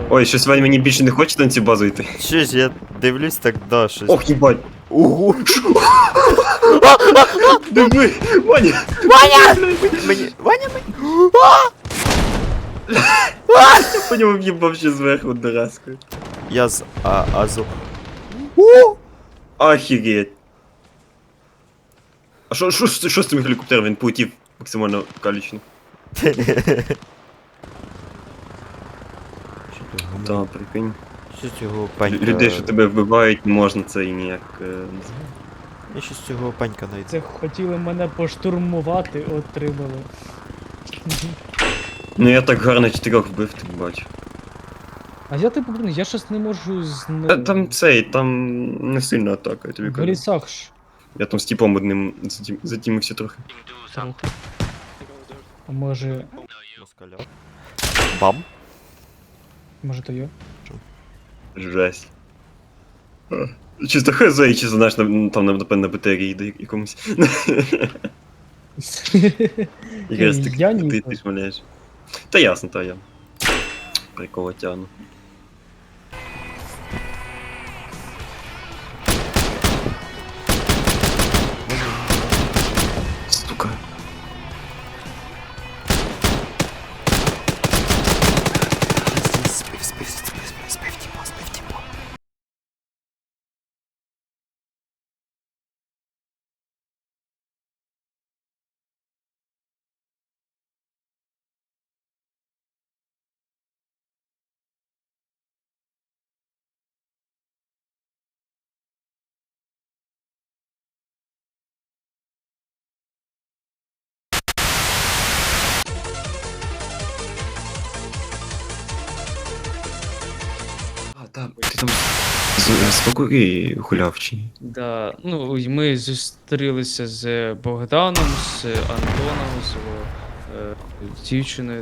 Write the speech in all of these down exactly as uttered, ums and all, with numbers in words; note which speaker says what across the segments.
Speaker 1: Ой, щось Ваня мені більше не хоче на цю базу йти.
Speaker 2: Що ж, я дивлюсь так, да, щось.
Speaker 1: Ох, їбать.
Speaker 2: Ого!
Speaker 1: Диви, Ваня!
Speaker 2: Ваня! Мені... Ваня, мені...
Speaker 1: Я по ньому в'їбав ще зверху доразкою.
Speaker 2: Я з а, Азу. О!
Speaker 1: Охереть. А що, що, що, що з цим гелікоптером? Він полетів максимально калічно. Та, прикинь.
Speaker 2: Що цього
Speaker 1: Лю-
Speaker 2: панька...
Speaker 1: Людей, що тебе вбивають, не можна це і ніяк. е, не знаю.
Speaker 2: Я щось цього панька найду.
Speaker 3: Це хотіли мене поштурмувати, отримали.
Speaker 1: Ну я так гарно чотирьох вбив, ти бачиш.
Speaker 3: А я типу, блін, я щось не можу з
Speaker 1: Та там цей, там не сильна атака, я тобі
Speaker 3: в
Speaker 1: кажу.
Speaker 3: лісах ж.
Speaker 1: Я там з типом одним затім- затімився трохи.
Speaker 3: трохи. А може.
Speaker 2: Москаля. Бам.
Speaker 3: Може то я?
Speaker 1: Жесть. А, Чисто хз, і чисто, знаєш, на- там, напевно, на батареї йде якомусь. Якраз ти,
Speaker 3: Я
Speaker 1: ти,
Speaker 3: ні.
Speaker 1: ти, ти шмаляєш. Та ясно, та я. Прикола тяну. Сука.
Speaker 2: Спив, спив, спив, спив, спив, тіпа, спив, тіпа.
Speaker 1: А, так, ти там з, з Покурі гуляв чи ні?
Speaker 3: Да, ну і ми зустрілися з Богданом, з Антоном, з е, дівчиною.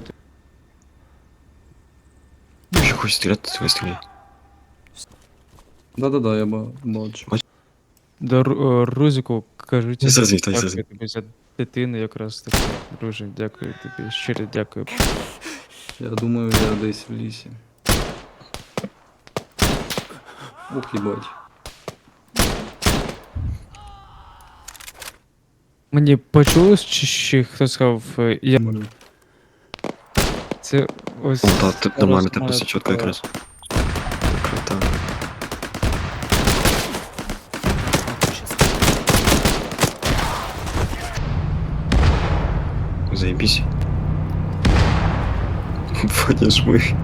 Speaker 1: Якщо хочеш стріляти, то стріляй.
Speaker 4: Да-да-да, я ба- бачу.
Speaker 3: До Ру- е, Рузику кажуть,
Speaker 1: Я зрозумів, та, я
Speaker 3: дякую
Speaker 1: зрозумів.
Speaker 3: тобі за дитину якраз таки. Друже, дякую тобі, щиро дякую.
Speaker 4: Я думаю, я десь в лісі. Ух, їбать.
Speaker 3: Мені почулось, чи ще хто сказав, е, я
Speaker 4: Малю.
Speaker 3: це ось.
Speaker 1: О, так, ти нормально, ти
Speaker 3: розмова
Speaker 1: просто чітко
Speaker 3: така.
Speaker 1: якраз. Так. Заебись. Ваня жми.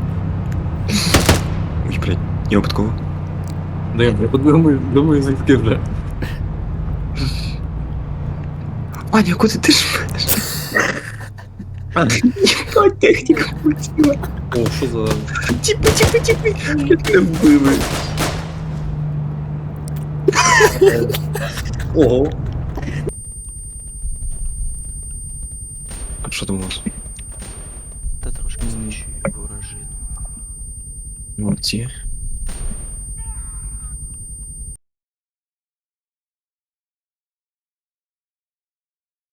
Speaker 1: Ой, блядь, я випадково.
Speaker 4: Да я думаю, думаю, звідки вже.
Speaker 1: Ваня, куди ти жмеш? Єбать, техніка полетіла.
Speaker 4: О, що за...
Speaker 1: Типи, типи, типи. Як не вбили.
Speaker 4: Ого.
Speaker 1: А що там у вас?
Speaker 2: Та трошки знищую ворожину.
Speaker 1: Молодці.